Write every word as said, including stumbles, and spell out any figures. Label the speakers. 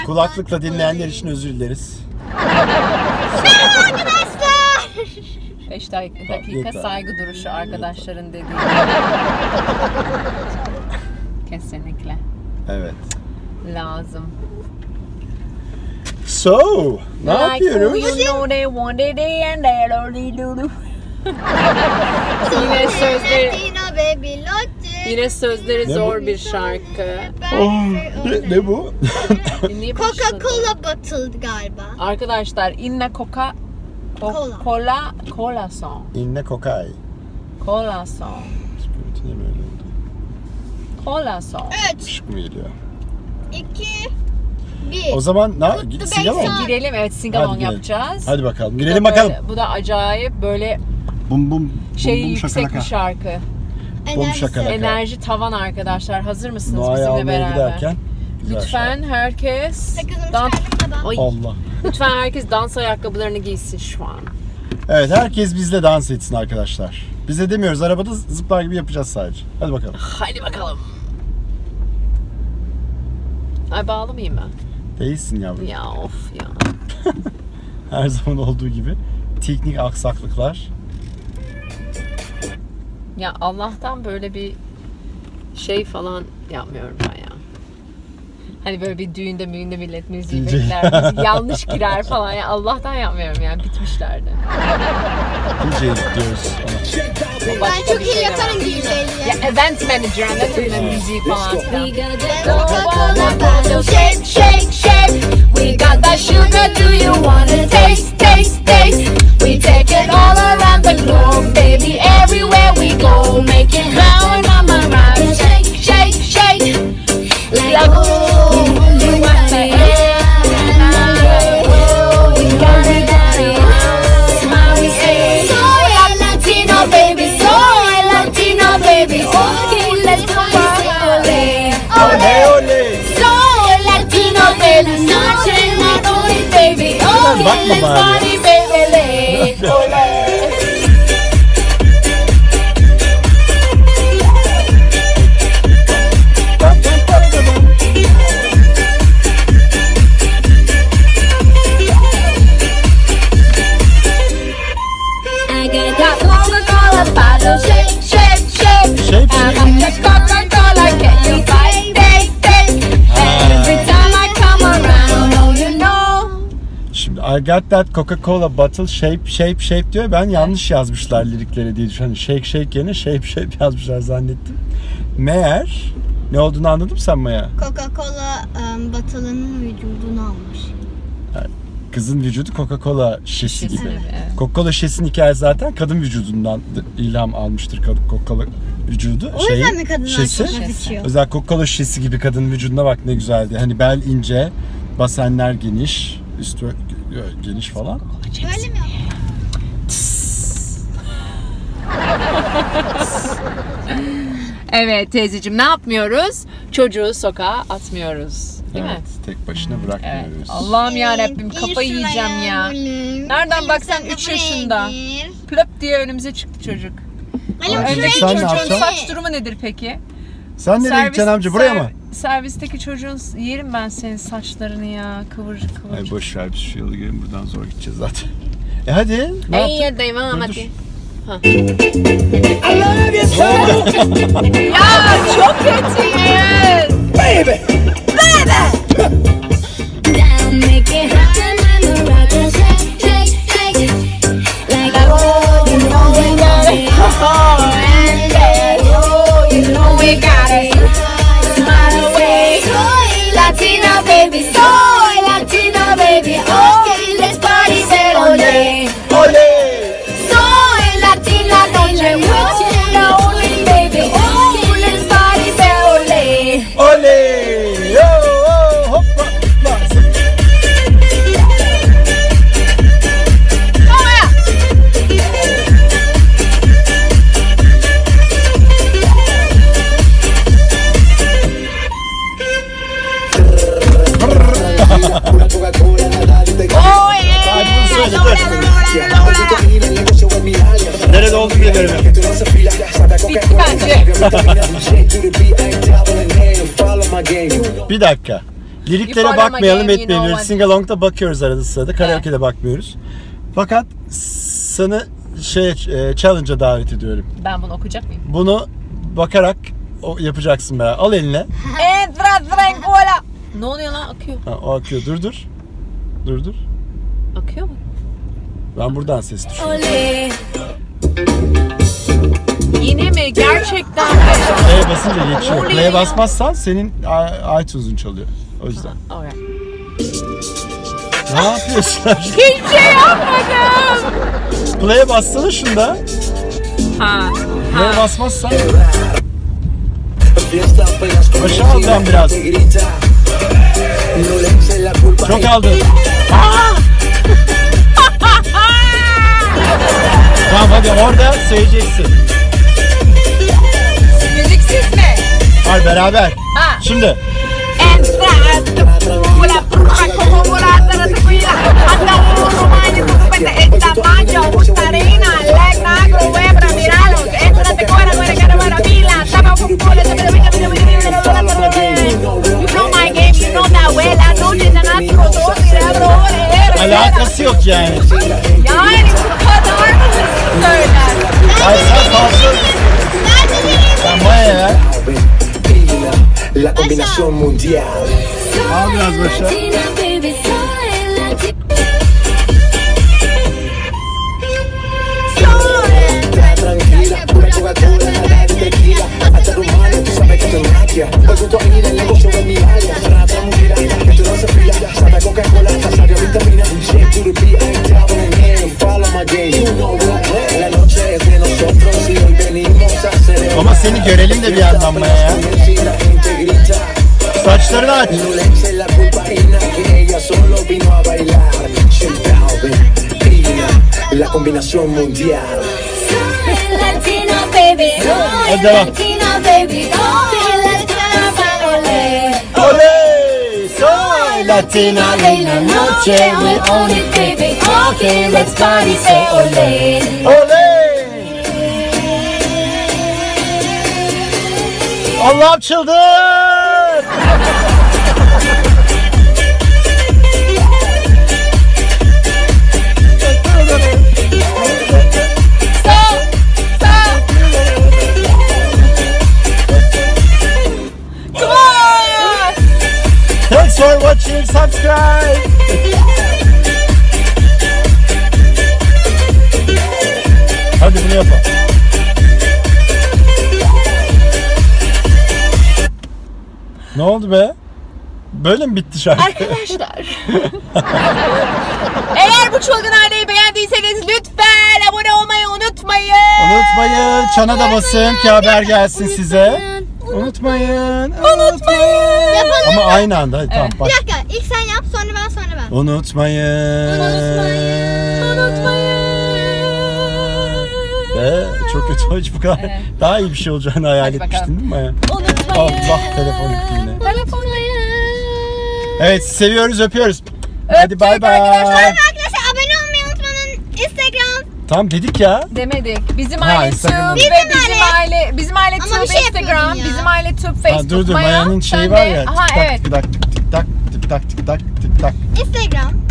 Speaker 1: Kulaklıkla dinleyenler için özür dileriz.
Speaker 2: Merhaba arkadaşlar.
Speaker 3: beş dakika saygı duruşu arkadaşların dediği. Kesinlikle.
Speaker 1: Evet.
Speaker 3: Lazım.
Speaker 1: So, ne yapıyoruz?
Speaker 3: Yine sözleri, yine sözleri zor bir şarkı.
Speaker 1: Oh, ne, ne bu?
Speaker 2: Coca-Cola batıldı galiba.
Speaker 3: Arkadaşlar, inna coca
Speaker 2: Cola.
Speaker 3: cola cola song.
Speaker 1: İnne kokay.
Speaker 3: Cola song.
Speaker 1: Niye böyle oldu?
Speaker 3: Cola song.
Speaker 2: üç,
Speaker 1: Işık mı geliyor?
Speaker 2: iki, bir.
Speaker 1: O zaman ne?
Speaker 2: Kutlu
Speaker 1: Sinema
Speaker 2: Bey
Speaker 1: mı?
Speaker 2: sağ-
Speaker 3: Girelim, evet, singalong
Speaker 1: Hadi girelim.
Speaker 3: yapacağız.
Speaker 1: Hadi bakalım.
Speaker 3: Bu da
Speaker 1: Girelim
Speaker 3: böyle-
Speaker 1: bakalım.
Speaker 3: Bu da acayip böyle
Speaker 1: Bum bum.
Speaker 3: şey
Speaker 1: bum, bum,
Speaker 3: yüksek
Speaker 1: şakalaka.
Speaker 3: bir şarkı.
Speaker 1: Bum şakalaka.
Speaker 3: Enerji tavan arkadaşlar. Hazır mısınız
Speaker 1: Noa'yı
Speaker 3: bizimle
Speaker 1: almaya
Speaker 3: beraber?
Speaker 1: giderken. güzel
Speaker 3: Lütfen herkes
Speaker 2: Sakızımı
Speaker 3: dans
Speaker 2: çıkardım da ben.
Speaker 3: Ay.
Speaker 1: Allah.
Speaker 3: Lütfen herkes dans ayakkabılarını giysin şu an.
Speaker 1: Evet, herkes bizle dans etsin arkadaşlar. Bize demiyoruz, arabada zıplar gibi yapacağız sadece. Hadi bakalım.
Speaker 3: Hadi bakalım. Ay, bağlı mıyım ben?
Speaker 1: Değilsin yavrum.
Speaker 3: Ya of ya.
Speaker 1: Her zaman olduğu gibi. Teknik aksaklıklar.
Speaker 3: Ya Allah'tan böyle bir şey falan yapmıyorum ben ya. Hani böyle bir düğünde müğünde millet müziği
Speaker 1: D J.
Speaker 3: bekler, müzik yanlış girer falan ya. Allah'tan yapmıyorum yani, bitmişlerdi.
Speaker 1: D J diyoruz ona.
Speaker 3: O
Speaker 2: Ben
Speaker 3: başka
Speaker 2: çok
Speaker 3: bir
Speaker 2: iyi
Speaker 3: şey
Speaker 2: yaparım
Speaker 3: ama.
Speaker 2: D J'liği.
Speaker 3: Ya event manager, anladın mı? Müziği falan filan.
Speaker 2: Coca-Cola bottle
Speaker 3: shake, shake, shake. We got that sugar, do you wanna taste, taste, taste? We take it all around the globe, baby, everywhere we go. Make it round, mama, round. Shake, shake, shake. Like, oh, you want the air. Oh, we got it, got it. Smile, we say, soy Latino, baby, soy Latino, baby. Okay, let's party, ole,
Speaker 1: Oley
Speaker 3: ole.
Speaker 1: oley.
Speaker 3: Soy Latino, baby, soy Latino, baby. Okay, let's party, baby, ole. I got that Coca-Cola bottle, shake, shake, shake.
Speaker 1: Shake,
Speaker 3: I
Speaker 1: shake.
Speaker 3: got that Coca-Cola, can you fight, take, take? Every time I come around, oh you know.
Speaker 1: Şimdi I got that Coca-Cola bottle shape shape shape diyor. Ben yanlış yazmışlar lirikleri diye düşünüyorum. Shake shake yerine shape shape yazmışlar zannettim. Meğer ne olduğunu anladın mı sen Maya?
Speaker 2: Coca-Cola um, bottle'ının vücudunu almış.
Speaker 1: Kızın vücudu Coca-Cola şişesi
Speaker 3: Şişesi
Speaker 1: gibi.
Speaker 3: gibi, evet.
Speaker 1: Coca-Cola şişesinin hikayesi zaten kadın vücudundan ilham almıştır Coca-Cola vücudu.
Speaker 2: O yüzden mi kadınlar
Speaker 1: şişesi,
Speaker 2: çok hafif içiyor?
Speaker 1: özel Coca-Cola şişesi gibi kadın vücuduna bak ne güzeldi. Hani bel ince, basenler geniş, üstü geniş falan.
Speaker 2: Böyle mi?
Speaker 3: Evet teyzeciğim, ne yapmıyoruz? Çocuğu sokağa atmıyoruz. Değil
Speaker 1: Evet,
Speaker 3: mi?
Speaker 1: tek başına
Speaker 3: Evet.
Speaker 1: bırakmıyoruz.
Speaker 3: Allah'ım yarabbim, kafayı yiyeceğim ya. Nereden baksan üç yaşında. Plöp diye önümüze çıktı çocuk.
Speaker 2: Ali
Speaker 1: Ay,
Speaker 3: Öndeki
Speaker 1: sen ne
Speaker 3: çocuğun
Speaker 1: yapacaksın?
Speaker 3: saç durumu nedir peki?
Speaker 1: Sen nereye gideceksin amca? Buraya
Speaker 3: ser-
Speaker 1: mı?
Speaker 3: Servisteki çocuğun, yerim ben senin saçlarını ya, kıvırcık
Speaker 1: Ay
Speaker 3: kıvırcık.
Speaker 1: boş ver, biz şu yolu gelin, buradan zor gideceğiz zaten. E hadi. Ne
Speaker 3: Ey
Speaker 1: yaptın?
Speaker 3: ya devam
Speaker 1: Dur,
Speaker 3: hadi.
Speaker 1: dur.
Speaker 3: Ya çok kötüyüz.
Speaker 4: Down, make it happen, and the rocker shake, shake, shake. Like oh, you know we got it.
Speaker 3: Oh, and yeah, oh, you know we got it. Smile away.
Speaker 4: Soy Latina, baby, soy Latina, baby. Okay, let's party, say ole.
Speaker 1: Oley!
Speaker 4: Soy Latina, baby, with you, the only baby. Okay, let's party, say ole.
Speaker 1: Oley! Yo, oh, hoppa, hoppa. Hadi bunu söyle, dur. Nerede olduğunu biliyorum.
Speaker 3: Bence.
Speaker 1: Bir dakika. Liriklere
Speaker 5: You follow my
Speaker 1: bakmayalım
Speaker 5: game, you
Speaker 1: etmeyelim.
Speaker 5: know what-
Speaker 1: Singalong'da bakıyoruz arada sırada. Karaoke'de bakmıyoruz. Fakat sana şey e, challenge'a davet ediyorum.
Speaker 5: Ben bunu okuyacak mıyım?
Speaker 1: Bunu bakarak o, yapacaksın be. Al eline.
Speaker 5: Entra tranquila. Ne oluyor lan? Akıyor.
Speaker 1: Ha, o akıyor. Dur dur. Dur dur.
Speaker 5: Akıyor mu?
Speaker 1: Ben buradan ses düşüyorum.
Speaker 4: Olé.
Speaker 5: Yine mi? Gerçekten.
Speaker 1: Play'e basınca geçiyor.
Speaker 5: Oluyor
Speaker 1: Play'e
Speaker 5: ya.
Speaker 1: basmazsan senin i- iTunes'un çalıyor. O yüzden.
Speaker 5: Alright.
Speaker 1: Ne yapıyorsun?
Speaker 5: Hiçbir şey yapmadım.
Speaker 1: Play'e bassana şunda.
Speaker 5: Ha.
Speaker 1: Play'e basmazsan. Başa al ben biraz. Çok aldın. Tamam hadi orada söyleyeceksin.
Speaker 5: Müziksiz mi?
Speaker 1: Hadi beraber.
Speaker 5: Ha.
Speaker 1: Şimdi.
Speaker 5: Entra tranquila. Como volata tranquila. Anda un romano, tu pende esta mancha, buscarina, legna, gruebra, miralos. Entra te cuera, cuera, cara, maravilla. Tapa un pole, te pide, pide, pide, pide, pide, You know my game, you know that well. I know you're not to go to
Speaker 1: Alakası yok yani.
Speaker 5: Yani bu kadar mı söyler?
Speaker 1: Ay sen fazla. Sen Maya ya.
Speaker 6: La combinación mundial.
Speaker 1: Al biraz başa.
Speaker 4: Latina, baby, soy latina.
Speaker 6: Tranquila, una Coca-Cola, nada de tequila. Hasta tu madre, tú sabes que esto es magia. Hoy junto a ir el negocio de mi área. Rata, mira, esto no se fila. Santa Coca-Cola, saca vitamina. Shake to the beat, I ain't down in here. Follow my game, you know what. La noche es de nosotros y hoy venimos a celebrar.
Speaker 1: Ama seni görelim de bir yandan Maya ya. Saçlarını aç.
Speaker 6: No le eche la culpa a Ina, que ella solo vino a bailar. Shake Ina, la combinación mundial.
Speaker 4: Soy Latino, baby. Soy
Speaker 1: Hadi devam.
Speaker 4: Latino, baby. Soy Latino, olé.
Speaker 1: Oley! Soy Latina
Speaker 4: En la noche we own it, baby. Okay, let's party, say olé.
Speaker 1: Oley! Allah'ım çıldır! Thanks for watching, subscribe! Hadi bunu yapalım. Ne oldu be? Böyle mi bitti şarkı?
Speaker 5: Arkadaşlar. Eğer bu çılgın aileyi beğendiyseniz lütfen abone olmayı unutmayın.
Speaker 1: Unutmayın, çana da basın ki haber gelsin size. Unutmayın, unutmayın.
Speaker 2: Yapalım.
Speaker 1: Ama aynı anda, hadi tamam
Speaker 5: Evet.
Speaker 1: bak.
Speaker 2: Bir dakika, ilk sen yap, sonra ben, sonra ben.
Speaker 1: Unutmayın.
Speaker 2: Unutmayın.
Speaker 5: Unutmayın.
Speaker 1: Ve çok kötü, hiç bu kadar
Speaker 5: Evet.
Speaker 1: daha iyi bir şey olacağını hayal
Speaker 5: Hadi
Speaker 1: etmiştin
Speaker 5: bakalım.
Speaker 1: değil mi Maya?
Speaker 5: Unutmayın.
Speaker 1: Allah, telefon gitti yine.
Speaker 5: Unutmayın.
Speaker 1: Evet, seviyoruz, öpüyoruz. Hadi bay bay.
Speaker 2: Arkadaşlar abone olmayı unutmayın. Instagram.
Speaker 1: Tamam dedik ya.
Speaker 5: Demedik. Bizim
Speaker 1: Ha,
Speaker 5: aile
Speaker 1: Instagram'da.
Speaker 5: Tube
Speaker 2: Bizim
Speaker 5: ve bizim
Speaker 2: aile.
Speaker 5: aile bizim aile
Speaker 2: Ama
Speaker 5: Tube
Speaker 2: bir şey
Speaker 5: Instagram,
Speaker 2: yapıyordun ya.
Speaker 5: bizim aile Tube Facebook.
Speaker 1: Ha, dur dur,
Speaker 5: Maya,
Speaker 1: Maya'nın şeyi
Speaker 5: sen
Speaker 1: var
Speaker 5: de-
Speaker 1: ya.
Speaker 5: Aha
Speaker 1: Tik tak
Speaker 5: evet.
Speaker 1: tik tak tik tak tik tak tik tak tik tak.
Speaker 2: Instagram.